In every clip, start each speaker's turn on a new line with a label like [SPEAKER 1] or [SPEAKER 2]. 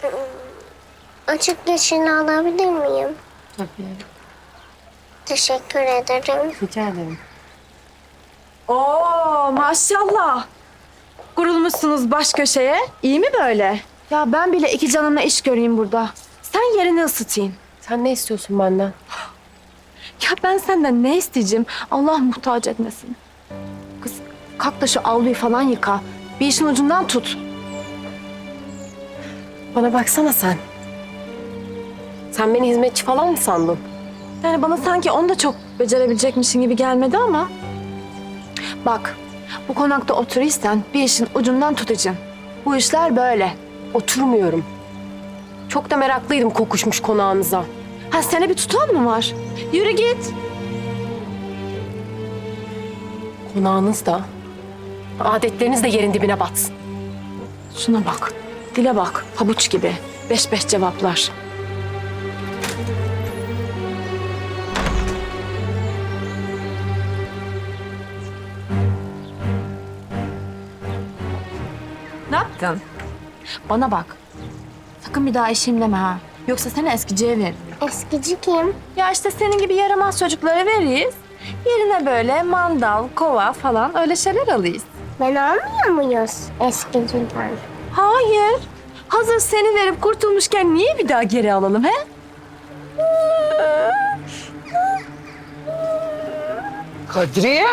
[SPEAKER 1] Açık yeşilini alabilir miyim?
[SPEAKER 2] Tabii.
[SPEAKER 1] Teşekkür ederim.
[SPEAKER 2] Rica ederim.
[SPEAKER 3] Oo maşallah. Kurulmuşsunuz baş köşeye. İyi mi böyle? Ya ben bile iki canımla iş göreyim burada. Sen yerini ısıtayım.
[SPEAKER 2] Sen ne istiyorsun benden?
[SPEAKER 3] Ya ben senden ne isteyeceğim? Allah muhtaç etmesin. Kız kalk da şu avluyu falan yıka. Bir işin ucundan tut.
[SPEAKER 2] Bana baksana sen. Sen beni hizmetçi falan mı sandın?
[SPEAKER 3] Yani bana sanki onu da çok becerebilecekmişsin gibi gelmedi ama. Bak bu konakta oturursan bir işin ucundan tutacaksın. Bu işler böyle.
[SPEAKER 2] Oturmuyorum. Çok da meraklıydım kokuşmuş konağınıza.
[SPEAKER 3] Ha sene bir tutan mı var? Yürü git.
[SPEAKER 2] Konağınız da, adetleriniz de yerin dibine batsın.
[SPEAKER 3] Şuna bak. Dile bak. Pabuç gibi. Beş beş cevaplar. Ne yaptın? Bana bak. Sakın bir daha eşeğim deme ha. Yoksa seni eskiciye veririm.
[SPEAKER 1] Eskici kim?
[SPEAKER 3] Ya işte senin gibi yaramaz çocuklara veririz. Yerine böyle mandal, kova falan öyle şeyler alırız.
[SPEAKER 1] Ben almıyor muyuz eskiciden?
[SPEAKER 3] Hayır. Hazır seni verip kurtulmuşken niye bir daha geri alalım he?
[SPEAKER 4] Kadriye.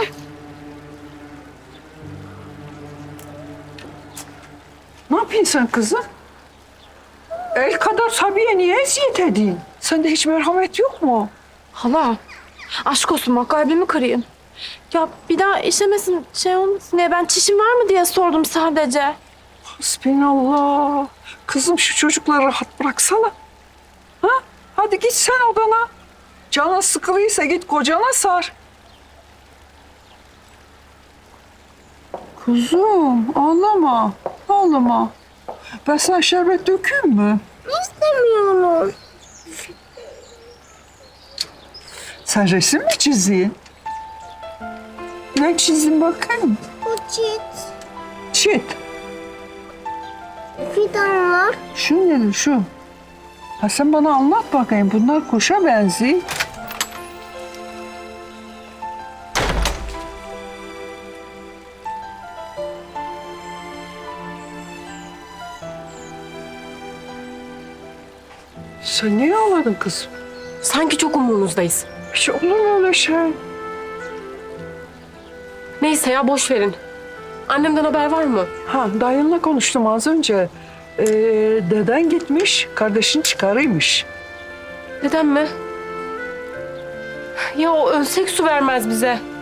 [SPEAKER 4] Ne yapıyorsun sen kızım? El kadar Sabiye niye eziyet edeyim? Sende hiç merhamet yok mu?
[SPEAKER 3] Hala, aşk olsun bak kalbimi kırayım. Ya bir daha işemesin şey olmasın diye ben çişim var mı diye sordum sadece.
[SPEAKER 4] Hasbinallah. Kızım şu çocukları rahat bıraksana. Ha? Hadi git sen odana. Canın sıkılıysa git kocana sar. Kuzum ağlama. Ağlama. Ben sana şerbet dökeyim mi?
[SPEAKER 1] İstemiyorum.
[SPEAKER 4] Sen resim mi çizdin? Ne çizdin bakayım?
[SPEAKER 1] Bu çit.
[SPEAKER 4] Çit.
[SPEAKER 1] Fidanlar.
[SPEAKER 4] Şu nedir şu? Ha sen bana anlat bakayım. Bunlar kuşa benziyor. Sen niye ağladın kızım?
[SPEAKER 2] Sanki çok umurunuzdayız.
[SPEAKER 4] Hiç olur mu öyle şey?
[SPEAKER 2] Neyse ya boş verin. Annemden haber var mı?
[SPEAKER 4] Ha dayınla konuştum az önce. Deden gitmiş, kardeşin çıkarıymış.
[SPEAKER 2] Neden mi? Ya o ölsek su vermez bize.